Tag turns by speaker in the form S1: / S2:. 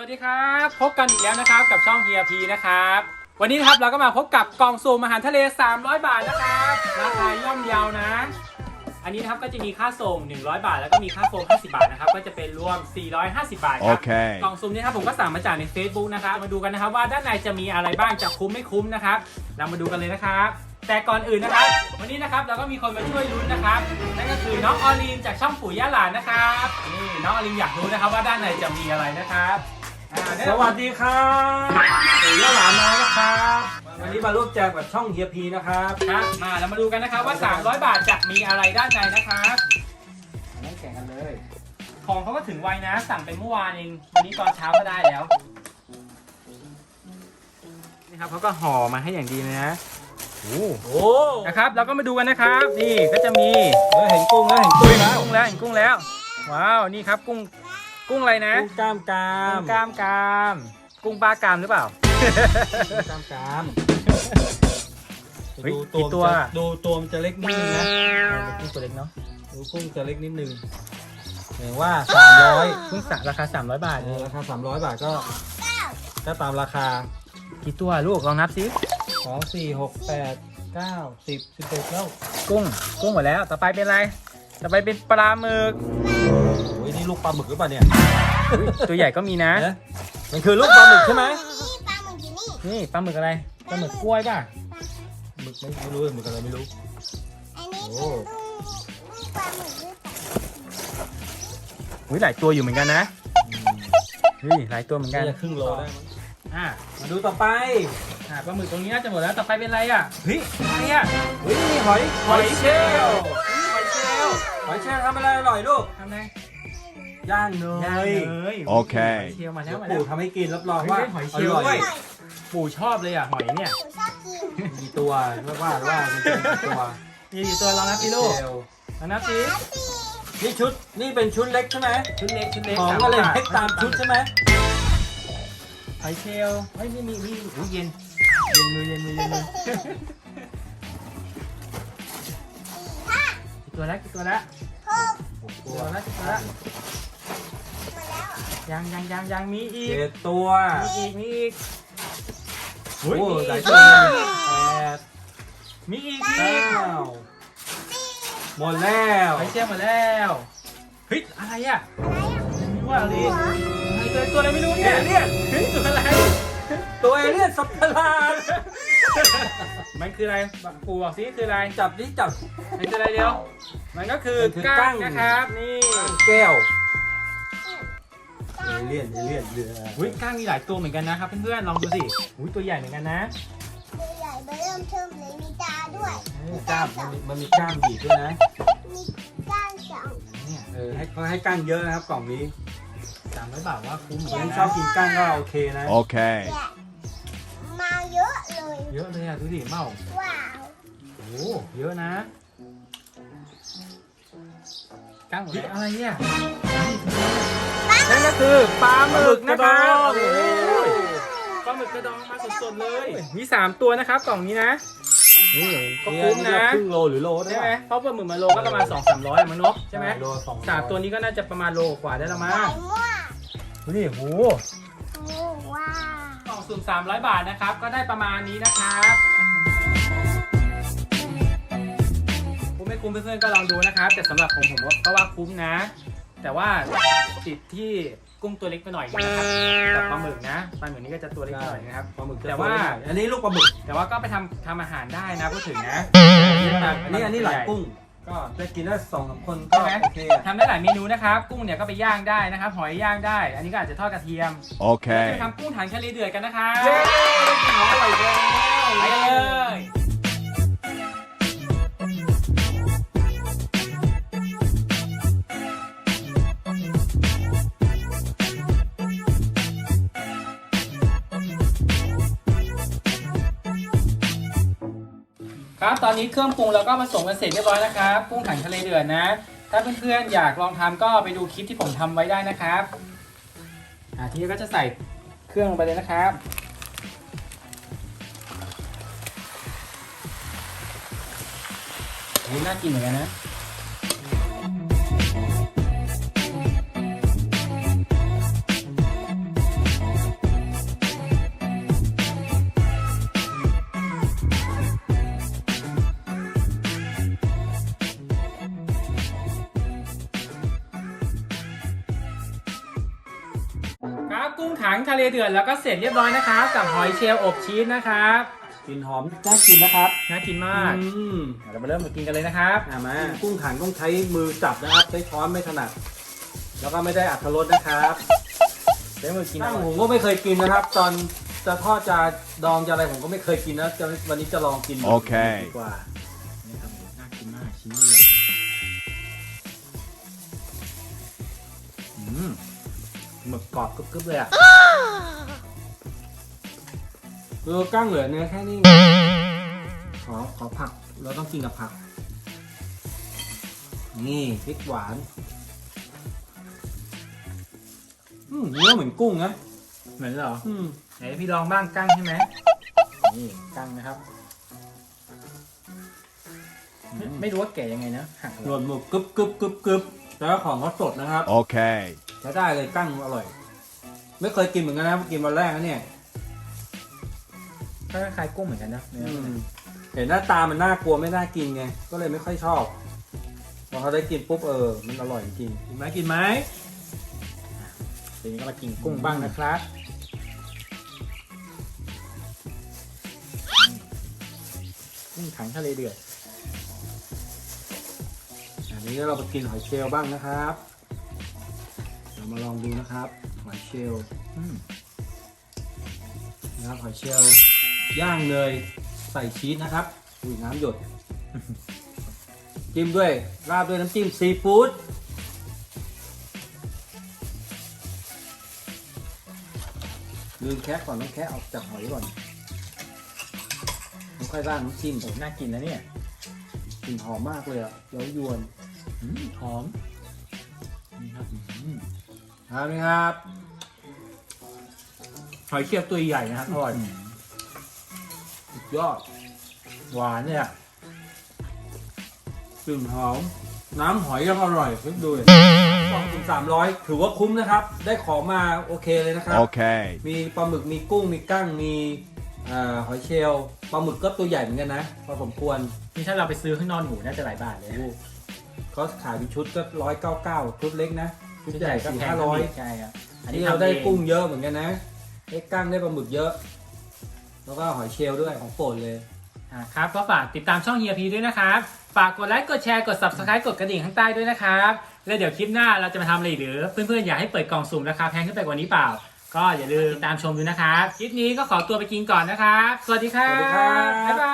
S1: วัสดีครับพบกันอีกแล้วนะครับกับช่อง HERP นะครับวันนี้นะครับเราก็มาพบกับกล่องสุ่มอาหารทะเล300 บาทนะครับราคาย่อมเยานะอันนี้นะครับก็จะมีค่าส่ง100 บาทแล้วก็มีค่าโฟม50 บาทนะครับก็จะเป็นรวม450 บาทครับกล่องสุ่มนี้ครับผมก็สั่งมาจากใน Facebook นะครับมาดูกันนะครับว่าด้านในจะมีอะไรบ้างจะคุ้มไม่คุ้มนะครับเรามาดูกันเลยนะครับแต่ก่อนอื่นนะครับวันนี้นะครับเราก็มีคนมาช่วยลุ้นนะครับนั่นก็คือน้องออลีนจากช่องปู่ย่าหลานนะครับนี่น้องออลีนอยากรู้นะครับว่าด้านในจะมีอะไรนะครับ
S2: สวัสดีครับปู่ย่าหลานน้อยนะครับวันนี้มาร่วมแจกกับช่องเฮียพีนะครับ
S1: ครับมาเรามาดูกันนะครับว่า300 บาทจะมีอะไรด้านในนะครับนั่งแข่งกันเลยของเขาก็ถึงไวนะสั่งไปเมื่อวานเองวันนี้ตอนเช้าก็ได้แล้วนี่ครับเขาก็ห่อมาให้อย่างดีเลยนะโอ้นะครับเราก็มาดูกันนะครับนี่ก็จะมี
S2: เห็นกุ้งแล้วเห็นกุ้งแล้ว
S1: เห็นกุ้งแล้วว้าวนี่ครับกุ้งอะไรนะ
S2: กุ้งกล้ามกราม
S1: กุ้งกล้ามกรามกุ้งปลากรามหรือเปล่า
S2: กล้ามกราม
S1: เฮ้ยกี่ตัว
S2: ดูตัวมันจะเล็กนิดนึงนะ
S1: กุ้งตัวเล็กเนาะ
S2: ดูกุ้งจะเล็กนิดนึงเห็นว่า300
S1: กุ้งสักราคา300 บาท
S2: ราคา300 บาทก็ตามราคา
S1: กี่ตัวลูกลองนับสิ
S2: 2 4 6 8 9 10 11แล้ว
S1: กุ้งหมดแล้วต่อไปเป็นอะไรต่อไปเป็นปลาหมึก
S2: โอ้ยนี่ลูกปลาหมึกหรือเปล่าเนี่ย
S1: ตัวใหญ่ก็มีนะ
S2: มันคือลูกปลาหมึกใช่ไหม
S1: นี่ปลาหมึกอะไรปลาหมึกกล้วยป่ะ
S2: หมึกไม่รู้หมึกอะไรไม่รู้โอ้
S3: ปลาหมึกหรือเปล่า
S1: หลายตัวอยู่เหมือนกันนะหลายตัวเหมือนกัน
S2: จะครึ่งโลได้มั้งมาดูต่อไป
S1: ปลาหมึกตรงนี้น่าจะหมดแล้วต่อไปเป็นอะไรอ่ะอะไรอ่ะ
S2: นี่หอยเชลล์หอยเชลล์ทำอะไรอร่อยลูก
S1: ทำไง
S2: ย่างเนย
S1: โอเคเชลล์มาแล้ว
S2: ปู่ทำให้กินรับรองว่า
S1: หอยเชลล์ด้วยปู่ชอบเลยอ่ะหอยเนี่ย
S2: กี่ตัวว่ามันจะกี่ตัว
S1: มีกี่ตัวลองนับสิลูกลองนับสิ
S2: นี่เป็นชุดเล็กใช่ไหม
S1: ชุดเล็ก
S2: ของก็เลยเล็กตามชุดใช่ไหม
S1: หอยเชลล์เฮ้ยมีเย็นมือกี่ตัวแล้วกี่ตัวแล้วยังมีอีก
S2: 7 ตัว
S1: มีอีก
S2: โอ้หลายตัว
S1: มีอีก
S2: หมดแล้ว
S1: หอยเชลล์หมดแล้วเฮ้ยอะไรอ่ะว่าอะไรตัวอะไรไม่รู้เนี่ยตัวอะไร
S2: ตัวเอเลี่ยนสัตว์ประหลาด
S1: มันคืออะไรปู่บอกสิคืออะไร
S2: จับ
S1: มันคืออะไรเดียวมันก็คือกั้งนะครับนี่
S2: แก้วเอเลี่ยนเรือ
S1: กั้งมีหลายตัวเหมือนกันนะครับเพื่อนๆลองดูสิตัวใหญ่เหมือนกันนะ
S3: ตัวใหญ่เริ่มเทิมเลยมีตาด้วย
S2: กล้ามมันมีกล้ามบีบด้วยนะ
S3: มีก้างสอง
S1: เนี่ย
S2: ให้กล้างเยอะนะครับกล่องนี้
S1: 300 บาทว่าคุ้ม
S2: ยังชอบกินกล้างก็โอเคนะ
S3: โอเคมาเยอะ
S1: เลยอ่ะดูดิเมา
S3: ว้าว
S1: เยอะนะกั้งอะไรเนี่ยนั่นก็คือปลาหมึกนะครับปลาหมึกกระดองมาสดๆเลยมี3 ตัวนะครับกล่องนี้นะ
S2: นี่
S1: ก็คุ้มนะ
S2: ครึ่งโลหรือโล
S1: ใช่ไหมเพราะปลาหมึกมาโลก็ประมาณ 200-300มันเนาะใช่ไหม3 ตัวนี้ก็น่าจะประมาณโลกว่าได้ละมั้งดูดิ
S3: ว้าว
S1: กล่องสุ่ม300 บาทนะครับก็ได้ประมาณนี้นะครับคุ้มไม่คุ้มเพื่อนๆก็ลองดูนะครับแต่สำหรับผมก็ว่าคุ้มนะแต่ว่าติดที่กุ้งตัวเล็กไปหน่อยนะครับกับปลาหมึกนะปลาหมึกนี้ก็จะตัวเล็กไปหน่อยนะครับ
S2: ปลาหมึก
S1: แต่ว่า
S2: อันนี้ลูกปลาหมึก
S1: แต่ว่าก็ไปทำอาหารได้นะพูดถึงนะ
S2: อันนี้หลายกุ้งก็จะกินได้2-3 คนก็โอเค
S1: ทำได้หลายเมนูนะครับกุ้งเนี่ยก็ไปย่างได้นะครับหอยย่างได้อันนี้ก็อาจจะทอดกระเทียม
S2: โอเค
S1: จะทำกุ้งถังทะเลเดือดกันนะครับ
S2: อร่อยแล้ว
S1: ไปเลยครับตอนนี้เครื่องปรุงเราก็ผสมกันเสร็จเรียบร้อยนะครับกุ้งถังทะเลเดือดนะถ้าเพื่อนๆอยากลองทำก็ไปดูคลิปที่ผมทำไว้ได้นะครับทีนี้ก็จะใส่เครื่องลงไปเลยนะครับนี่น่ากินเหมือนกันนะ นครับกุ้งถังทะเลเดือดแล้วก็เสร็จเรียบร้อยนะครับกับหอยเชลล์อบชีสนะครับ
S2: กลิ่นหอมน่ากินนะครับ
S1: น่ากินมาก
S2: อืม
S1: เรามาเริ่มมากินกันเลยนะครับ
S2: มากุ้งถังต้องใช้มือจับนะครับใช้ช้อนไม่ถนัดแล้วก็ไม่ได้อัตรสนะครับ
S1: ใช้มือกิน
S2: ตั้งผมก็ไม่เคยกินนะครับ ตอนจะทอดจะดองจะอะไรผมก็ไม่เคยกินนะวันนี้จะลองกิน
S4: โอเค
S2: ดีกว่า
S1: นี่ครับน่ากินมากชิ้นใหญ่หมึกกรอบกรึบๆเลยอ่ะ
S2: คือกั้งเหลือเนื้อแค่นี้ขอผักเราต้องกินกับผัก นี่พริกหวานเนื้อเหมือนกุ้งนะ
S1: เหมือนเหรอ
S2: อืม
S1: ไหนพี่ลองบ้างกั้งใช่ไหมนี่กั้งนะครับ ไม่รู้ว่าแก่ยังไงนะหัก
S2: หนวดหมึกกึบแล้วของเขาสดนะครับ
S4: Okay.
S2: ใช้ได้เลยกั้งอร่อย ไม่เคยกินเหมือนกันนะกินวันแรกนะเนี่ย
S1: ก็คล้ายๆกุ้งเหมือนกันนะเนื้อ
S2: เห็นหน้าตามันน่ากลัวไม่น่ากินไงก็เลยไม่ค่อยชอบพอเขาได้กินปุ๊บมันอร่อยจริงกินไหม
S1: ทีนี้ก็มากินกุ้งบ้างนะครับกุ้งถังทะเลเดือด
S2: อันนี้เราไปกินหอยเชลล์บ้างนะครับเรามาลองดูนะครับหอยเชลล์นะครับหอยเชลล์ย่างเนยใส่ชีสนะครับอุ้ยน้ำหยด จิ้มด้วยราดด้วยน้ำจิ้มซีฟู้ดลืมแคะก่อนต้องแคะออกจากหอยก่อนแล้วค่อยราดน้ำจิ้ม
S1: โอ้น่ากินนะเนี่ย
S2: กลิ่นหอมมากเลยอ่ะเย้ายวน
S1: หอมนี่ครับ
S2: ครับนี่ครับหอยเชลล์ตัวใหญ่นะครับอร่อยสุดยอด
S1: หวานเลยอ่ะ
S2: กลิ่นหอมน้ำหอยยังอร่อยคิดดูเลย200-300ถือว่าคุ้มนะครับ ได้ของมาโอเคเลยนะครับ
S4: Okay.
S2: มีปลาหมึกมีกุ้งมีกั้งมีหอยเชลล์ปลาหมึกก็ตัวใหญ่เหมือนกันนะพอสมควร
S1: นี่ถ้าเราไปซื้อข้างนอกหมูน่าจะหลายบาทเลย
S2: เขาขายเป็นชุดก็199ชุดเล็กนะชุดใหญ่
S1: ก็แพง
S2: 400-500
S1: ใช่ครับ
S2: อันนี้เราได้กุ้งเยอะเหมือนกันนะได้กั้งได้ปลาหมึกเยอะ แล้วก็หอยเชลล์ด้วยของโปรดเลย
S1: ครับก็ฝากติดตามช่องเฮียพีด้วยนะครับ ฝากกดไลค์กดแชร์กด subscribe กดกระดิ่งข้างใต้ด้วยนะครับ แล้วเดี๋ยวคลิปหน้าเราจะมาทำอะไรอีกหรือเพื่อนๆอยากให้เปิดกล่องสุ่มราคาแพงขึ้นไปกว่านี้เปล่า ก็อย่าลืมติดตามชมดูนะครับ คลิปนี้ก็ขอตัวไปกินก่อนนะครับ สวัสดีครับ
S2: สวัสดีครับ
S1: บ๊ายบา